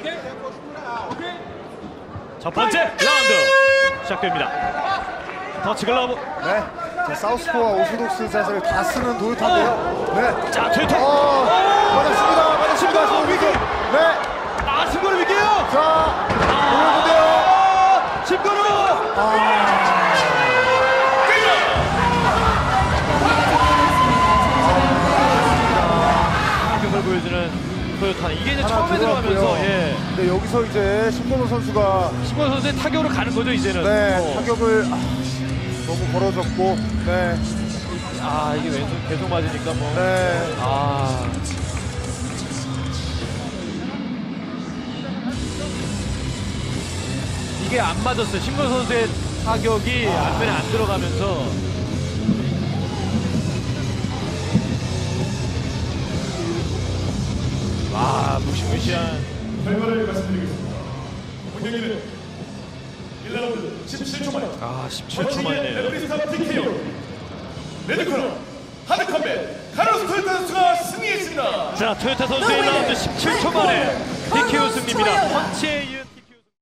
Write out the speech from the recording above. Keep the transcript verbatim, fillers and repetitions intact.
첫 번째 라운드 시작됩니다. 터치 글러브. 네. 자, 사우스포와 오소독스 자세를 다 쓰는 도요타인데요. 네. 자, 트위터. 어, 맞았습니다. 맞았습니다. 지금 위기. 네. 아, 심건우 위기에요. 자, 보여주세요. 아, 심건우. 공격을 보여주는 토요타는 이게 이제 처음에 들어가면서 예. 근데 여기서 이제 신건우 선수가 심건우 선수의 타격으로 가는 거죠 이제는. 네, 어. 타격을 아, 너무 벌어졌고, 네, 아, 이게 왼손 계속 맞으니까 뭐. 네. 아. 이게 안 맞았어요. 심건우 선수의 타격이 안면에 안 들어가면서. 와, 무시무시한. 결과를 말씀드리겠습니다. 본경기는 일 라운드 십칠 초 만에 아, 십칠 초 만이네요. 레프리스타 티케이오 레드코너 하드컴뱃 카르로스 토요타 선수가 승리했습니다. 자, 토요타 선수의 일 라운드 십칠 초 만에 티케이오 승리입니다. 펀치에 이은